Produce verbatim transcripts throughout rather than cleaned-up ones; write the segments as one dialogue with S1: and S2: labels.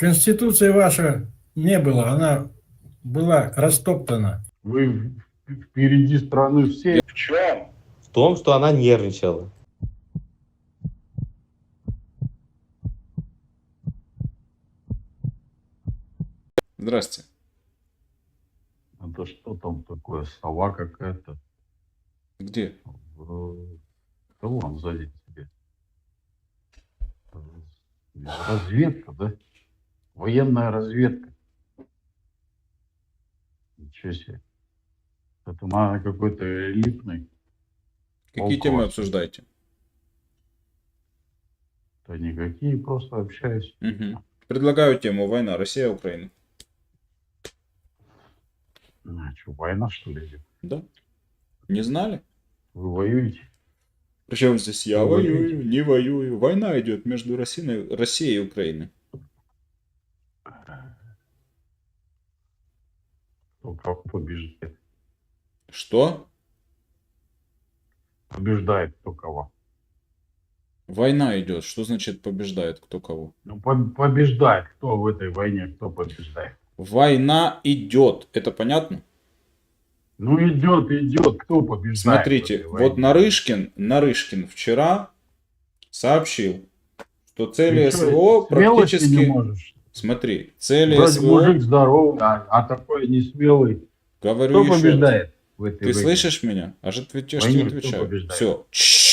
S1: Конституции ваша не было, она была растоптана.
S2: Вы впереди страны все.
S3: В чем?
S4: В том, что она нервничала.
S3: Здрасте.
S2: Это что там такое? Сова какая-то.
S3: Где?
S2: В- Да вон сзади тебе. Разведка, да? Военная разведка. Ничего себе. Это на какой-то элитный.
S3: Какие
S2: Полк
S3: темы
S2: у вас.
S3: обсуждаете?
S2: Да никакие, просто общаюсь.
S3: Угу. Предлагаю тему война Россия-Украина.
S2: А, что, война что ли идет?
S3: Да? Не знали?
S2: Вы воюете?
S3: Причем здесь я
S2: Вы
S3: воюю,
S2: воюете?
S3: не воюю. Война идет между Россией, Россией и Украиной.
S2: Кто кого побеждает?
S3: Что?
S2: Побеждает кто кого?
S3: Война идет. Что значит побеждает кто кого?
S2: Ну, по- побеждает кто в этой войне, кто побеждает?
S3: Война идет. Это понятно?
S2: Ну, идет, идет, кто побеждает? в
S3: Смотрите,
S2: этой
S3: вот
S2: войне?
S3: Нарышкин, Нарышкин вчера сообщил, что цели
S2: Ты чё,
S3: СВО
S2: смелости не
S3: практически...
S2: можешь?
S3: Смотри, цели
S2: Вроде
S3: СВО...
S2: мужик здоровый, а, а такой несмелый.
S3: Говорю
S2: Кто
S3: еще раз.
S2: побеждает в этой
S3: Ты
S2: войне?
S3: слышишь меня? Аж ответишь,
S2: Войне
S3: не
S2: кто
S3: отвечаю.
S2: побеждает?
S3: Все.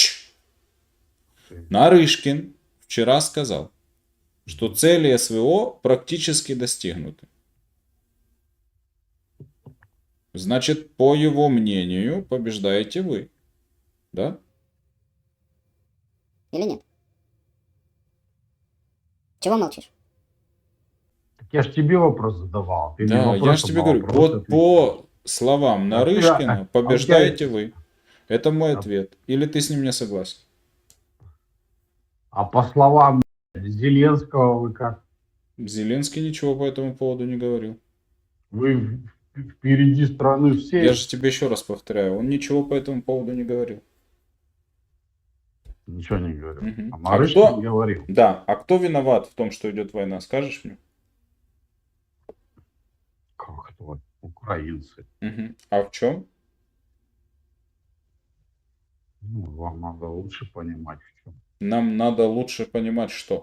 S3: Нарышкин вчера сказал, что цели СВО практически достигнуты. Значит, по его мнению, побеждаете вы. Да?
S5: Или нет? Чего молчишь?
S2: Так я ж тебе вопрос задавал. Ты мне
S3: Да, я
S2: вопросом
S3: же тебе
S2: на
S3: говорю,
S2: вопрос
S3: вот
S2: ответил.
S3: по словам
S2: А ты-
S3: Нарышкина,
S2: а- а
S3: побеждаете
S2: у тебя-
S3: вы. Это мой
S2: А-
S3: ответ. Или ты с ним не согласен?
S2: А по словам Зеленского вы как?
S3: Зеленский ничего по этому поводу не говорил.
S2: Вы в- впереди страны все.
S3: Я же тебе еще раз повторяю, он ничего по этому поводу не говорил.
S2: Ничего не говорю.
S3: Мгм.
S2: А
S3: А
S2: Нарышкин
S3: кто-
S2: говорил.
S3: Да, а кто виноват в том, что идет война, скажешь мне?
S2: Как это? Украинцы.
S3: Мгм. А в чем?
S2: Ну, вам надо лучше понимать в чем.
S3: Нам надо лучше понимать, что.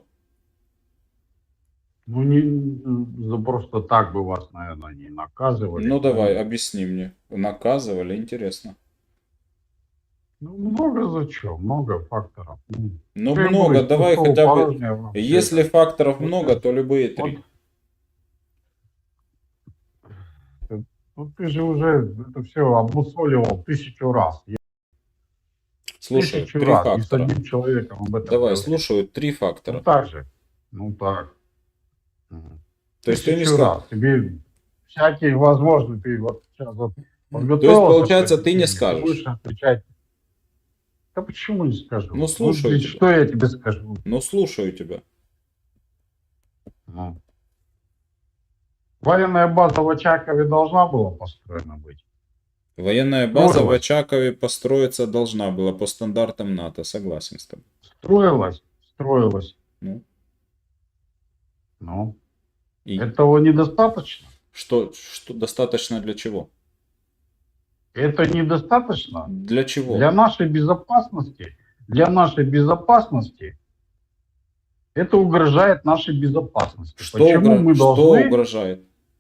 S2: Ну, не за просто так бы вас, наверное, не наказывали.
S3: Ну давай, объясни мне. Наказывали, интересно.
S2: Ну, много за что, много факторов. Ну,
S3: Ну
S2: что я
S3: много,
S2: говорю,
S3: давай
S2: пустого,
S3: хотя бы...
S2: порожнего вам всё
S3: Если
S2: это.
S3: факторов
S2: Вот
S3: много,
S2: это-
S3: то любые три.
S2: Ну, ты же уже это все обмусоливал тысячу раз. Я
S3: Слушай,
S2: тысячу
S3: три
S2: раз и с
S3: фактора.
S2: одним человеком об этом
S3: Давай,
S2: говорил.
S3: слушаю три
S2: Ну,
S3: фактора.
S2: так же. Ну, так. Мгм.
S3: То есть ты не
S2: Тысячу
S3: сказал...
S2: раз. Тебе всякие возможные, ты вот сейчас вот
S3: То есть,
S2: подготовился,
S3: получается,
S2: что
S3: ты не
S2: ты
S3: скажешь.
S2: будешь отвечать. Да почему не скажу?
S3: Ну, слушаю
S2: ты
S3: тебя.
S2: что я тебе скажу?
S3: Ну слушаю тебя.
S2: Ну. Военная база в Очакове должна была построена быть.
S3: Военная база в
S2: Строилась.
S3: Очакове построиться должна была по стандартам НАТО, согласен с тобой.
S2: Строилась, строилась.
S3: Ну,
S2: Ну,
S3: и
S2: этого недостаточно.
S3: что, что достаточно для чего?
S2: Это недостаточно
S3: Для чего?
S2: для нашей безопасности. Для нашей безопасности это угрожает нашей безопасности.
S3: Что,
S2: Почему
S3: угро-
S2: мы
S3: что
S2: должны...
S3: угрожает?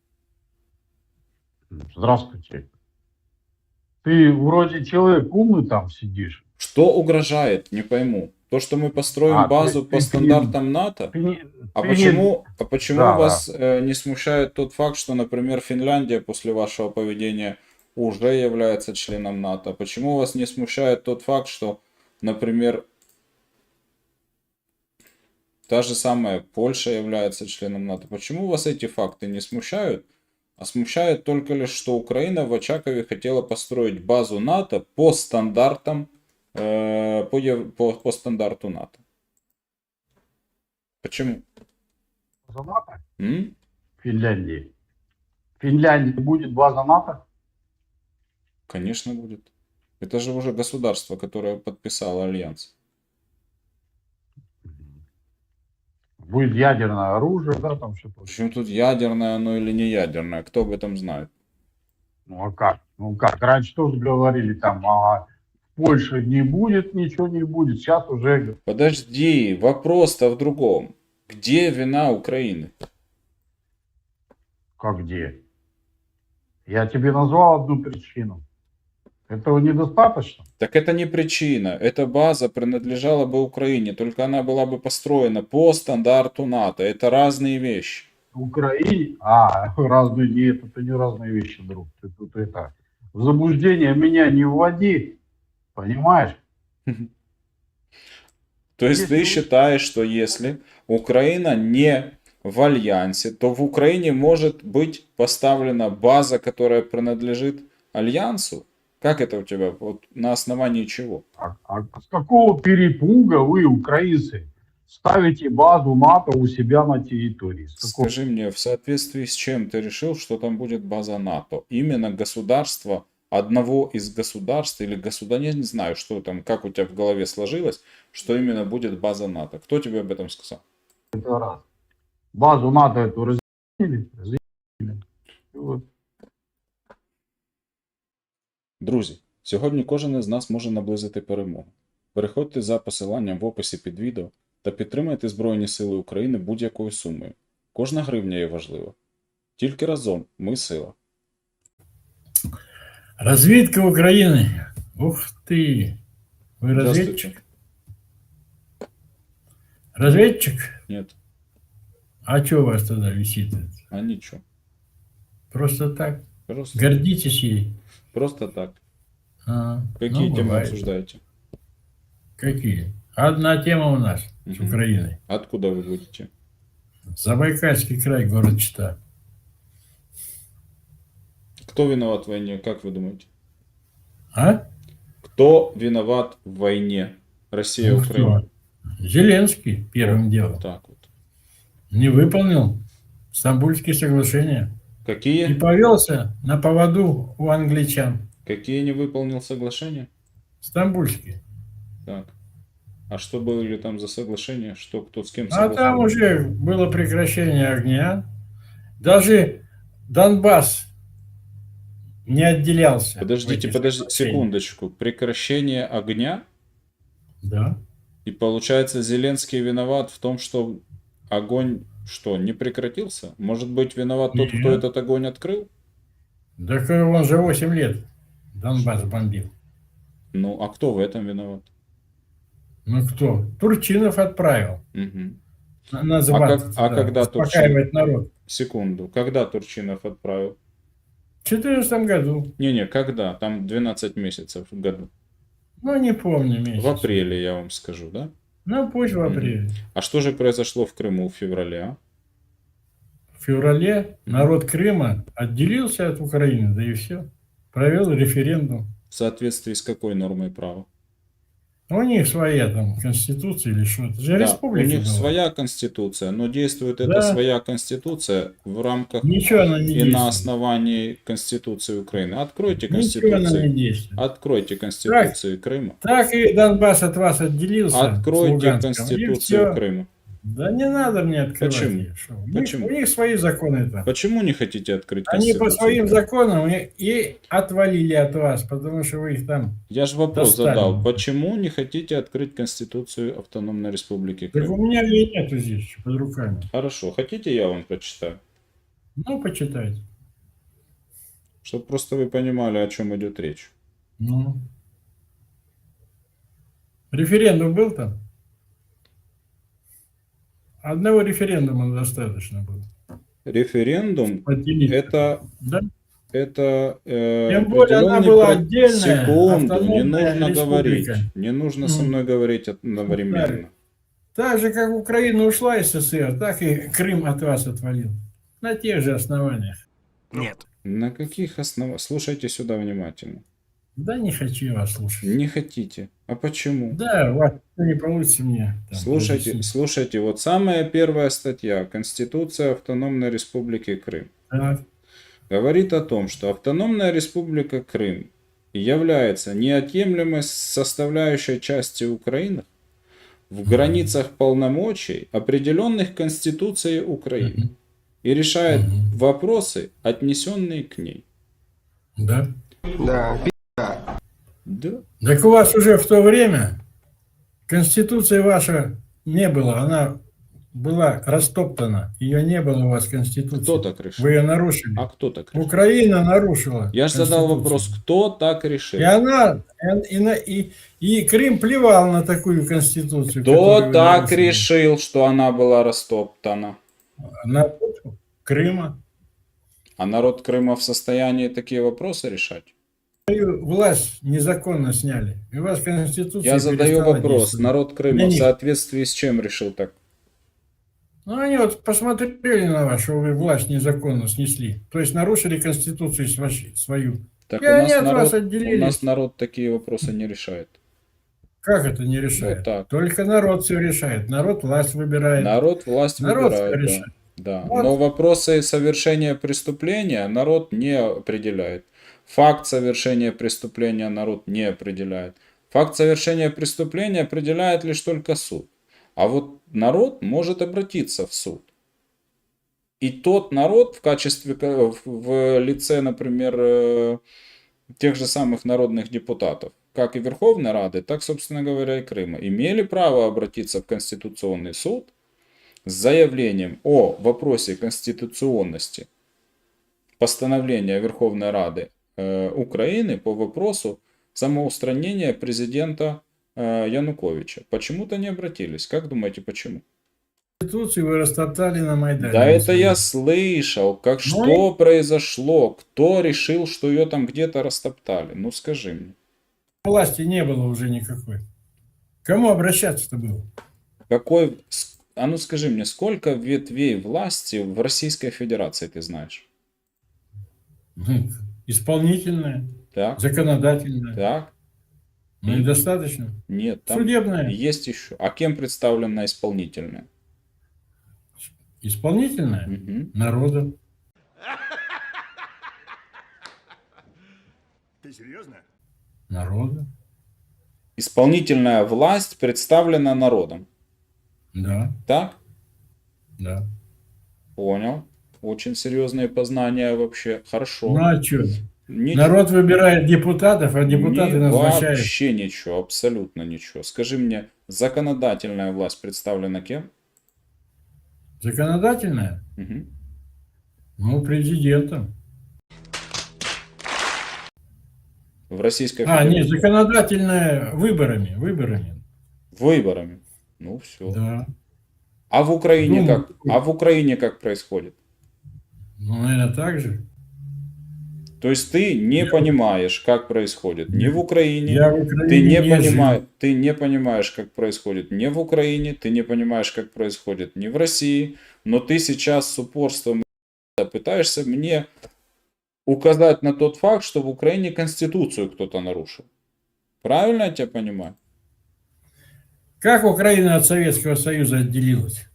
S2: Здравствуйте. Ты вроде человек умный там сидишь.
S3: Что угрожает? Не пойму. То, что мы построим
S2: А,
S3: базу
S2: ты-
S3: по
S2: ты-
S3: стандартам НАТО?
S2: Ты не-
S3: А
S2: ты не-
S3: почему, а почему
S2: Да,
S3: вас э, не смущает тот факт, что, например, Финляндия после вашего поведения уже является членом НАТО? Почему вас не смущает тот факт, что, например, та же самая Польша является членом НАТО? Почему вас эти факты не смущают? А смущает только лишь, что Украина в Очакове хотела построить базу НАТО по стандартам, э, по, ев- по, по стандарту НАТО. Почему?
S2: База НАТО
S3: М?
S2: в Финляндии. В Финляндии будет база НАТО?
S3: Конечно, будет. Это же уже государство, которое подписало альянс.
S2: Будет ядерное оружие, да, там что-то.
S3: Причем тут ядерное оно или не ядерное, кто об этом знает?
S2: Ну а как? Ну как? Раньше тоже говорили там, ага, в Польше не будет, ничего не будет. Сейчас уже
S3: Подожди, вопрос-то в другом. Где вина Украины?
S2: как где? Я тебе назвал одну причину. Этого недостаточно?
S3: Так это не причина. Эта база принадлежала бы Украине, только она была бы построена по стандарту НАТО. Это разные вещи.
S2: Украине? А, разные, нет, это не разные вещи, друг. Ты тут это, в заблуждение меня не вводи, понимаешь?
S3: То есть
S2: Если
S3: ты
S2: вы-
S3: считаешь, что если Украина не в альянсе, то в Украине может быть поставлена база, которая принадлежит альянсу? Как это у тебя? Вот на основании чего?
S2: А, а с какого перепуга вы, украинцы, ставите базу НАТО у себя на территории? С какого?
S3: Скажи мне, в соответствии с чем ты решил, что там будет база НАТО? Именно государство, одного из государств или государства, я не знаю, что там, как у тебя в голове сложилось, что именно будет база НАТО. Кто тебе об этом сказал?
S2: Это раз. Базу НАТО эту разделили, разделили. И вот.
S3: Друзі, сьогодні кожен із нас може наблизити перемогу. Переходьте за посиланням в описі під відео та підтримайте Збройні Сили України будь-якою сумою. Кожна гривня є важлива. Тільки разом ми сила.
S1: Разведка Украины. Ух ты. Вы
S3: Здравствуйте.
S1: разведчик? Разведчик?
S3: Нет,
S1: А что у вас тогда висит?
S3: а ничего.
S1: Просто так?
S3: Просто,
S1: Гордитесь ей?
S3: просто так.
S1: А,
S3: Какие
S1: ну,
S3: темы
S1: бывает.
S3: обсуждаете?
S1: Какие? Одна тема у нас с
S3: Мгм.
S1: Украиной.
S3: Откуда вы будете?
S1: Забайкальский край, город Чита.
S3: Кто виноват в войне, как вы думаете?
S1: А?
S3: Кто виноват в войне? Россия,
S1: Ну,
S3: Украина.
S1: кто? Зеленский первым делом.
S3: Так вот.
S1: Не выполнил Стамбульские соглашения. И
S3: Какие?
S1: повелся на поводу у англичан.
S3: Какие не выполнил соглашения?
S1: Стамбульские.
S3: Так. А что были там за соглашения? Что, кто с кем
S1: А там
S3: согласовал?
S1: уже было прекращение огня. Даже Донбасс не отделялся. в
S3: Подождите,
S1: этих
S3: подождите,
S1: соглашениях.
S3: секундочку. Прекращение огня?
S1: Да.
S3: И получается, Зеленский виноват в том, что огонь что, не прекратился? Может быть, виноват тот, кто
S1: Нет.
S3: этот огонь открыл?
S1: Так он же восемь лет Донбасс бомбил.
S3: Ну, а кто в этом виноват?
S1: Ну кто? Турчинов отправил.
S3: Мгм.
S1: На- Называться
S3: А как- а
S1: туда,
S3: когда
S1: успокаивать народ.
S3: Секунду. Когда Турчинов отправил?
S1: В четырнадцатом году.
S3: Не-не, когда? Там двенадцать месяцев в году.
S1: Ну, не помню месяц.
S3: В апреле, я вам скажу, да?
S1: Ну, пусть в апреле.
S3: А что же произошло в Крыму в феврале, а?
S1: В феврале народ Крыма отделился от Украины, да и все. Провел референдум.
S3: В соответствии с какой нормой права?
S1: У них своя там конституция или что-то. Это же
S3: Да, у
S1: республика
S3: них
S1: была.
S3: своя конституция, но действует эта
S1: Да.
S3: своя конституция в рамках
S1: Ничего она не
S3: и
S1: действует.
S3: на основании Конституции Украины. Откройте
S1: Ничего она не
S3: Конституцию.
S1: действует.
S3: Откройте Конституцию Крыма.
S1: Так и Донбасс от вас отделился. с
S3: Откройте
S1: Луганском, и
S3: Конституцию
S1: всё.
S3: Крыма.
S1: Да не надо мне открывать.
S3: Почему?
S1: её, что. У,
S3: Почему?
S1: Них, у них свои законы там.
S3: Почему не хотите открыть
S1: Они по
S3: Конституцию
S1: своим
S3: Крыма?
S1: законам и, и отвалили от вас, потому что вы их там...
S3: Я же вопрос
S1: достали.
S3: задал. Почему не хотите открыть Конституцию Автономной Республики
S1: Так
S3: Крым?
S1: у меня ее нету здесь под руками.
S3: Хорошо, хотите, я вам прочитаю?
S1: Ну, почитайте.
S3: Чтобы просто вы понимали, о чем идет речь.
S1: Ну. Референдум был там? Одного референдума достаточно было.
S3: Референдум
S1: Отделить.
S3: это,
S1: Да?
S3: это э,
S1: Тем более она
S3: определенный
S1: была
S3: про-
S1: отдельная,
S3: Секунду, не
S1: автономная
S3: нужно
S1: республика.
S3: говорить. Не нужно со
S1: Ну.
S3: мной говорить одновременно.
S1: Так же, как Украина ушла из СССР, так и Крым от вас отвалил. На тех же основаниях.
S5: Нет.
S3: На каких основах? Слушайте сюда внимательно.
S1: Да не хочу я вас слушать.
S3: Не хотите. А почему?
S1: Да, у вас не получится мне. там
S3: Слушайте,
S1: разъяснить.
S3: слушайте, вот самая первая статья Конституция Автономной Республики Крым
S1: Так.
S3: говорит о том, что Автономная Республика Крым является неотъемлемой составляющей частью Украины, в границах полномочий, определенных Конституцией Украины,
S1: Мгм.
S3: и решает
S1: Мгм.
S3: вопросы, отнесенные к ней.
S1: Да.
S5: Да,
S3: Да.
S1: Так у вас уже в то время Конституция ваша не было, она была растоптана. Ее не было у вас Конституции.
S3: Кто так решил?
S1: Вы ее нарушили.
S3: А кто так решил?
S1: Украина нарушила.
S3: Я же задал
S1: Конституцию.
S3: вопрос, кто так решил?
S1: И она, и, и, на- и, и Крым плевал на такую Конституцию.
S3: Кто
S1: которую вы
S3: так
S1: нарушили.
S3: решил, что она была растоптана?
S1: Народ Крыма.
S3: А народ Крыма в состоянии такие вопросы решать?
S1: Свою власть незаконно сняли. И у вас Конституция
S3: Я задаю
S1: перестала
S3: вопрос.
S1: действовать.
S3: Народ Крыма
S1: Для
S3: в
S1: них.
S3: соответствии с чем решил так?
S1: Ну, они вот посмотрели на вас, что вы власть незаконно снесли. То есть нарушили Конституцию свою- свою.
S3: Так
S1: И
S3: у
S1: они
S3: нас,
S1: от вас
S3: народ, у
S1: отделились.
S3: нас народ такие вопросы не решает.
S1: Как это не решает?
S3: Вот так.
S1: Только народ все решает. Народ власть выбирает.
S3: Народ власть
S1: Народ всё
S3: выбирает, да.
S1: решает.
S3: Да.
S1: Вот.
S3: Но вопросы совершения преступления народ не определяет. Факт совершения преступления народ не определяет. Факт совершения преступления определяет лишь только суд. А вот народ может обратиться в суд. И тот народ в качестве, ка- в- в лице, например, э, тех же самых народных депутатов, как и Верховной Рады, так, собственно говоря, и Крыма, имели право обратиться в Конституционный суд с заявлением о вопросе конституционности постановления Верховной Рады э, Украины по вопросу самоустранения президента э, Януковича. Почему-то не обратились. Как думаете, почему?
S1: Конституцию вы растоптали на Майдане.
S3: Да это
S1: свою.
S3: я слышал, как
S1: Ну
S3: что произошло, кто решил, что ее там где-то растоптали. Ну скажи мне.
S1: Власти не было уже никакой. Кому обращаться-то было?
S3: Какой, с- а ну скажи мне, сколько ветвей власти в Российской Федерации ты знаешь?
S1: Ну, исполнительная,
S3: Так,
S1: законодательная.
S3: так,
S1: Ну и достаточно.
S3: нет, там
S1: Судебная.
S3: есть еще. А кем представлена исполнительная?
S1: Исполнительная
S3: Мгм.
S1: народом.
S6: Ты серьезно?
S1: Народом.
S3: Исполнительная власть представлена народом.
S1: Да,
S3: Так?
S1: да.
S3: Понял. Очень серьезные познания вообще. Хорошо.
S1: Ну а что?
S3: Ничего.
S1: Народ выбирает депутатов, а депутаты
S3: Не,
S1: назначают.
S3: вообще ничего, абсолютно ничего. Скажи мне, законодательная власть представлена кем?
S1: Законодательная?
S3: Мгм.
S1: Ну, президентом.
S3: В Российской
S1: А,
S3: Федерации.
S1: нет, законодательная выборами, выборами.
S3: Выборами. Ну все.
S1: Да.
S3: А в Украине
S1: Думаю,
S3: как? А в Украине как происходит?
S1: Ну, наверное, так же.
S3: То есть ты не
S1: Я-
S3: понимаешь, как происходит ни в Украине,
S1: Я в
S3: ты
S1: Украине
S3: не,
S1: не
S3: понимаешь,
S1: жил.
S3: ты не понимаешь, как происходит ни в Украине, ты не понимаешь, как происходит ни в России, но ты сейчас с упорством пытаешься мне указать на тот факт, что в Украине Конституцию кто-то нарушил. Правильно я тебя понимаю?
S1: Как Украина от Советского Союза отделилась?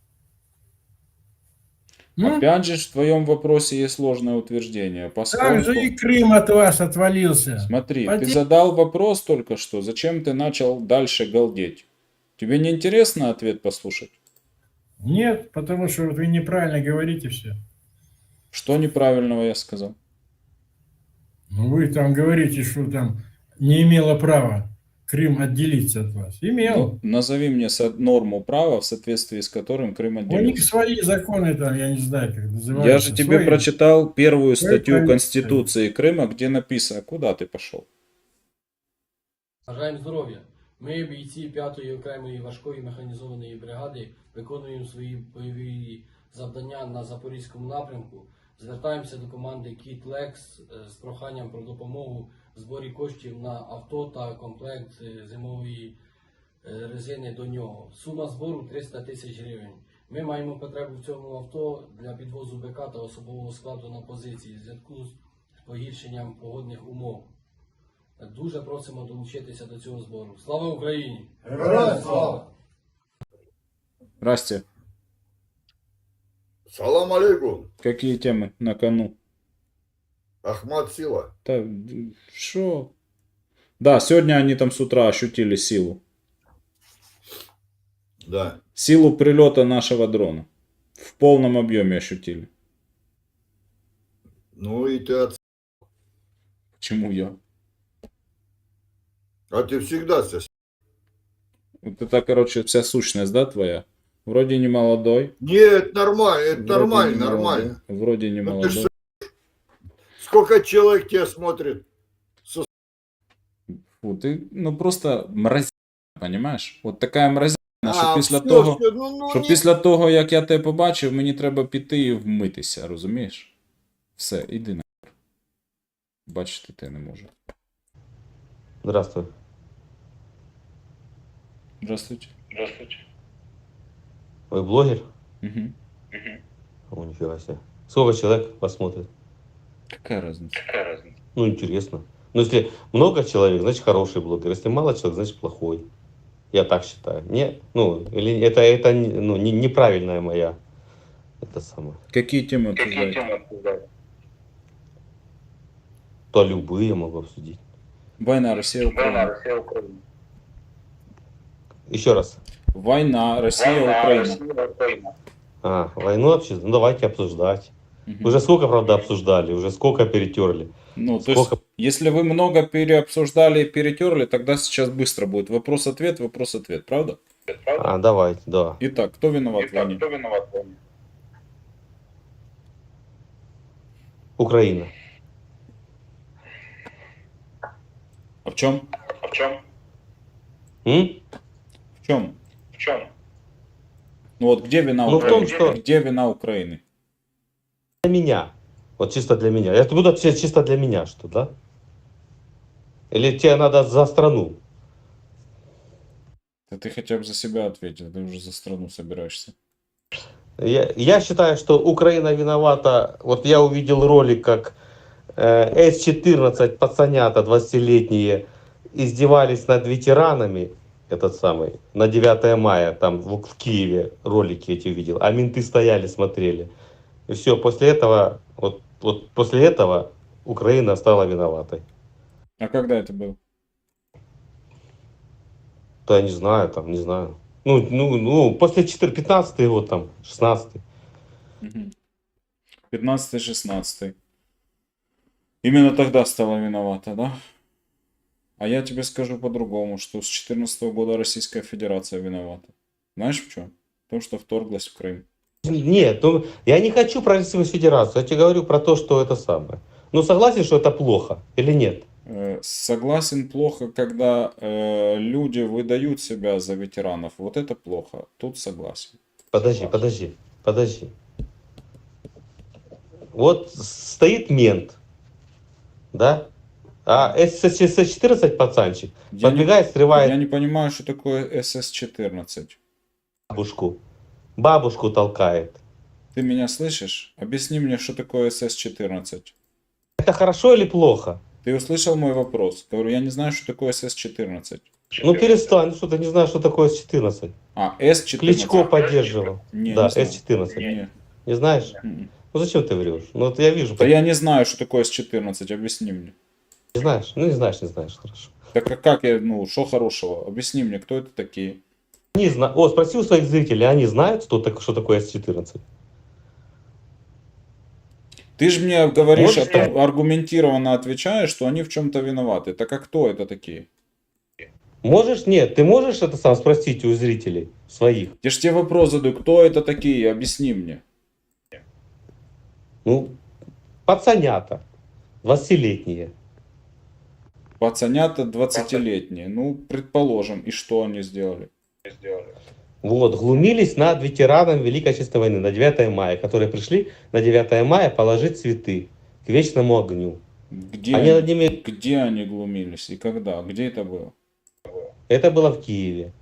S1: Ну,
S3: Опять же, в твоем вопросе есть ложное утверждение.
S1: так
S3: Поскольку...
S1: же и Крым от вас отвалился.
S3: Смотри, ты
S1: Поте-
S3: задал вопрос только что, зачем ты начал дальше галдеть? Тебе не интересно ответ послушать?
S1: Нет, потому что вот вы неправильно говорите все.
S3: Что неправильного я сказал?
S1: Ну, вы там говорите, что там не имела права Крым отделиться от вас. Имел.
S3: Ну, назови мне со- норму права, в соответствии с которым Крым
S1: У них
S3: отделился.
S1: свои законы там, я не знаю, как называются.
S3: Я же тебе
S1: Свои.
S3: прочитал первую
S1: Свои
S3: статью
S1: правительства.
S3: Конституции Крыма, где написано, куда ты пошел.
S7: Бажаємо здоров'я. Ми, бійці п'ятої окремої важкої механізованої бригади, виконуємо свої бойові завдання на Запорізькому напрямку. Звертаємося до команди Кіт Лекс з проханням про допомогу в зборі коштів на авто та комплект е, зимової е, резини до нього. Сума збору триста тисяч гривень. Ми маємо потребу в цьому авто для підвозу БК та особового складу на позиції в зв'язку з погіршенням погодних умов. Дуже просимо долучитися до цього збору. Слава Україні!
S6: Героям слава!
S3: Расти,
S8: Салам алейкум,
S3: какие темы на кону?
S8: Ахмад Сила.
S3: Да, что? Да, сегодня они там с утра ощутили силу.
S8: Да.
S3: Силу прилета нашего дрона в полном объеме ощутили.
S8: Ну и ты от...
S3: Почему я?
S8: А ты всегда со...
S3: Вот это, короче, вся сущность, да, твоя? Вроде не молодой.
S8: Нет, нормально, это
S3: вроде
S8: нормально,
S3: не молодой,
S8: нормально.
S3: Вроде не
S8: Ну ты ж
S3: молодой.
S8: Сколько человек тебя смотрит? Со...
S3: Фу, ты, ну просто мразь, понимаєш? От така мразь, що
S8: А,
S3: після
S8: все,
S3: того,
S8: все, ну, ну,
S3: що
S8: не...
S3: після того, як я тебе побачив, мені треба піти і вмитися, розумієш? Все, іди на. Бачити ти не можу.
S4: Здравствуй.
S3: Здравствуйте.
S4: Вы блогер?
S3: Угу.
S4: О, нифига себе. Сколько человек вас смотрит?
S3: Какая разница?
S4: Ну, интересно. Ну, если много человек, значит хороший блогер. Если мало человек, значит плохой. Я так считаю. Не, ну, или это, это ну, не, неправильная моя. Это самое.
S3: Какие темы обсуждаете?
S4: То любые могу обсудить.
S3: Война, Россия, Украина.
S4: Еще раз.
S3: Война, Россия, Украина.
S4: А, войну обсуждать? Ну, давайте обсуждать.
S3: Мгм.
S4: Уже сколько, правда, обсуждали, уже сколько перетерли.
S3: Ну, то
S4: Сколько?
S3: есть, если вы много переобсуждали и перетерли, тогда сейчас быстро будет вопрос-ответ, вопрос-ответ, правда?
S4: А, давайте, да.
S3: Итак, кто виноват в войне?
S4: Украина.
S3: А в чем?
S4: М?
S3: В чем? Ну вот где вина
S4: Ну, в том,
S3: Украины?
S4: что-
S3: Где вина Украины?
S4: Для меня. Вот чисто для меня. Это будут все чисто для меня, что, да? Или тебе надо за страну?
S3: Да ты хотя бы за себя ответил, ты уже за страну собираешься.
S4: Я, я считаю, что Украина виновата. Вот я увидел ролик, как э, эс четырнадцать пацанята двадцатилетние издевались над ветеранами, этот самый, на девятое мая, там в, в Киеве ролики эти увидел, а менты стояли, смотрели. И все, после этого, вот, вот после этого Украина стала виноватой.
S3: А когда это было?
S4: То я не знаю, там, не знаю. Ну, ну, ну после четырнадцатого, пятнадцатый год, там, шестнадцатый.
S3: пятнадцатый-шестнадцатый. Именно тогда стала виновата, да? А я тебе скажу по-другому, что с четырнадцатого года Российская Федерация виновата. Знаешь в чем? В том, что вторглась в Крым.
S4: Нет, ну, я не хочу про Российскую Федерацию, я тебе говорю про то, что это самое. Ну, согласен, что это плохо или нет?
S3: Э, Согласен, плохо, когда э, люди выдают себя за ветеранов. Вот это плохо. Тут согласен.
S4: Подожди, подожди, подожди. Вот стоит мент, да? А эс четырнадцать пацанчик
S3: Я не,
S4: подбегает, срывает
S3: я не понимаю, что такое эс эс четырнадцать.
S4: бабушку, бабушку толкает.
S3: Ты меня слышишь? Объясни мне, что такое эс эс четырнадцать.
S4: Это хорошо или плохо?
S3: Ты услышал мой вопрос? Говорю, я не знаю, что такое эс эс четырнадцать.
S4: Ну перестань, что ты не знаешь, что такое эс четырнадцать.
S3: А, эс четырнадцать.
S4: Кличко поддерживал.
S3: Не,
S4: Да,
S3: не знаю.
S4: эс четырнадцать.
S3: Не.
S4: Не знаешь?
S3: М-м.
S4: Ну зачем ты врешь? Ну вот я вижу.
S3: Да я не знаю, что такое эс четырнадцать. Объясни мне.
S4: Не знаешь? Ну не знаешь, не знаешь, хорошо.
S3: Так а как я, ну, что хорошего? Объясни мне, кто это такие?
S4: Не знаю. О, спроси у своих зрителей, они знают, что, так, что такое эс четырнадцать?
S3: Ты же мне говоришь,
S4: Можешь
S3: о том- аргументированно отвечаешь, что они в чем-то виноваты. Так а кто это такие?
S4: Можешь? Нет, ты можешь это сам спросить у зрителей своих?
S3: Я же тебе вопрос задаю, кто это такие? Объясни мне.
S4: Ну, пацанята, двадцатилетние.
S3: Пацанята двадцатилетние. Ну, предположим. И что они сделали?
S4: Вот, глумились над ветераном Великой Отечественной войны на девятое мая, которые пришли на девятое мая положить цветы к вечному огню.
S3: Где
S4: Они
S3: они,
S4: над ними...
S3: где они глумились и когда? Где это было?
S4: Это было в Киеве.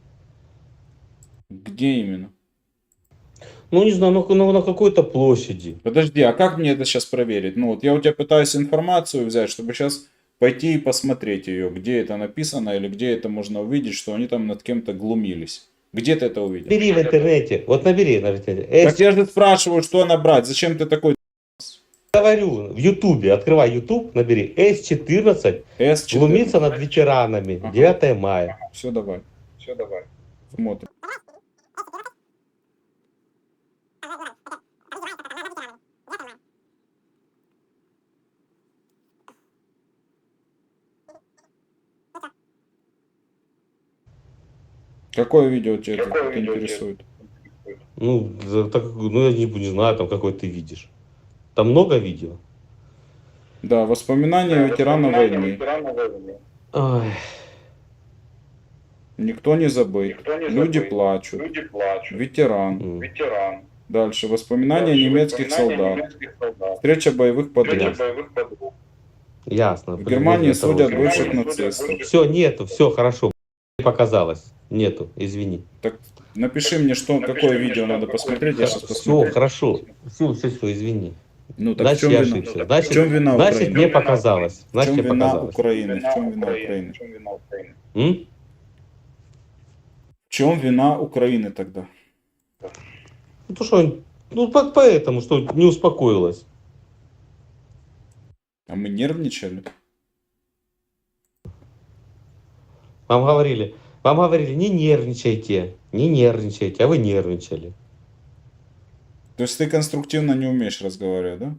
S3: Где именно?
S4: Ну, не знаю, ну, ну, на какой-то площади.
S3: Подожди, а как мне это сейчас проверить? Ну вот я у тебя пытаюсь информацию взять, чтобы сейчас пойти и посмотреть ее, где это написано или где это можно увидеть, что они там над кем-то глумились. Где ты это увидел?
S4: Набери в интернете, вот набери на интернете.
S3: Так
S4: Эс,
S3: я же спрашиваю, что набрать, зачем ты такой
S4: говорю, в Ютубе, открывай Ютуб, набери эс четырнадцать,
S3: эс четырнадцать?
S4: глумиться над ветеранами,
S3: Ага.
S4: девятое мая.
S3: Все, давай. Все, давай. Смотрим. Какое видео тебя тут интересует?
S4: Ну, за- так, ну, я не, не знаю, там какой ты видишь. Там много видео?
S3: Да, воспоминания ветерана войны.
S4: Ой,
S3: Никто не забыт. Люди плачут. Ветеран.
S4: м,
S3: Дальше. Воспоминания немецких солдат. Встреча боевых подруг.
S4: ясно.
S3: В Германии судят бывших
S4: нацистов.
S3: нацистов.
S4: Все, нету, все, хорошо. Показалось. Нету, извини.
S3: Так напиши мне, что, какое видео надо посмотреть, я сейчас
S4: Все,
S3: посмотрю.
S4: хорошо. Все, все, все, извини.
S3: Ну так в
S4: Значит,
S3: чем
S4: я
S3: вина?
S4: ошибся.
S3: В
S4: Значит,
S3: чем вина
S4: значит,
S3: Украины?
S4: мне показалось.
S3: В
S4: Значит,
S3: чем
S4: мне
S3: вина
S4: показалось.
S3: Украины? В чем вина Украины?
S4: М?
S3: В чем вина Украины тогда?
S4: Ну, то, что, ну, по- поэтому, что не успокоилась.
S3: А мы нервничали?
S4: Вам говорили, вам говорили, не нервничайте, не нервничайте, а вы нервничали.
S3: То есть ты конструктивно не умеешь разговаривать, да?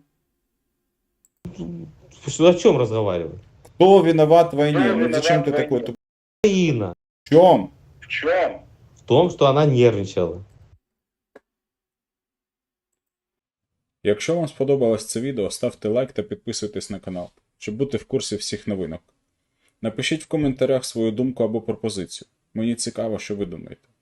S4: Что, о чем разговаривать?
S3: Кто виноват в войне? Ну зачем ты такой тупой?
S4: Украина.
S3: В чем?
S4: В том, что она нервничала.
S3: Якщо вам сподобалось це відео, ставте лайк та підписуйтесь на канал, щоб бути в курсі всіх новинок. Напишіть в коментарях свою думку або пропозицію. Мені цікаво, що ви думаєте.